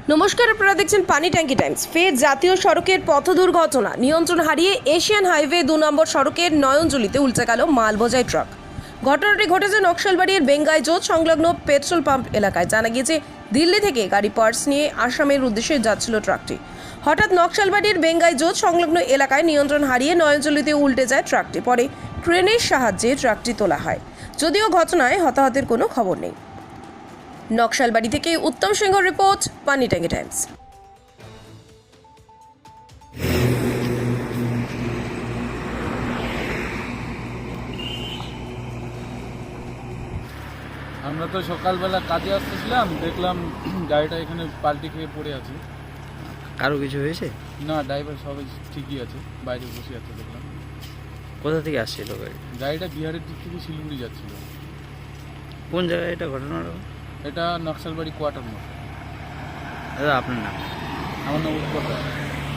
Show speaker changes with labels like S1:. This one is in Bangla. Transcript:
S1: নমস্কার, আপনারা দেখছেন পানি ট্যাঙ্কি টাইমস। ফের জাতীয় সড়কের পথ দুর্ঘটনা, নিয়ন্ত্রণ হারিয়ে এশিয়ান হাইওয়ে 2 নম্বর সড়কের নয়নজুলিতে উল্টে গেল মালবোঝাই ট্রাক। ঘটনাটি ঘটেছে নকশালবাড়ির বেঙ্গাই জোট সংলগ্ন পেট্রোল পাম্প এলাকায়। জানা গিয়েছে, দিল্লি থেকে গাড়ি পার্টস নিয়ে আসামের উদ্দেশ্যে যাচ্ছিল ট্রাকটি। হঠাৎ নকশালবাড়ির বেঙ্গাই জোট সংলগ্ন এলাকায় নিয়ন্ত্রণ হারিয়ে নয়নজুলিতে উল্টে যায় ট্রাকটি। পরে ক্রেনের সাহায্যে ট্রাকটি তোলা হয়, যদিও ঘটনায় হতাহতের কোনো খবর নেই। নকশালবাড়ি থেকে উত্তম সিংহ রিপোর্ট, পানি ট্যাঙ্কি টাইমস।
S2: আমরা তো সকালবেলা কাজে আসতেছিলাম, দেখলাম গাড়িটা এখানে পাল্টি খেয়ে পড়ে আছে।
S3: কারো কিছু হয়েছে?
S2: না, ড্রাইভার সবাই ঠিকই আছে, বাইরে বসে আছে দেখলাম।
S3: কোথা থেকে আসছিল গাড়ি?
S2: গাড়িটা বিহারের দিক থেকে শিলিগুড়ি যাচ্ছিল।
S3: কোন জায়গায় এটা ঘটনাটা?
S2: এটা নকশালবাড়ি কোয়ার্টার মোড়।
S3: দাদা আপনার নাম?
S2: আমার নাম উৎপল রায়।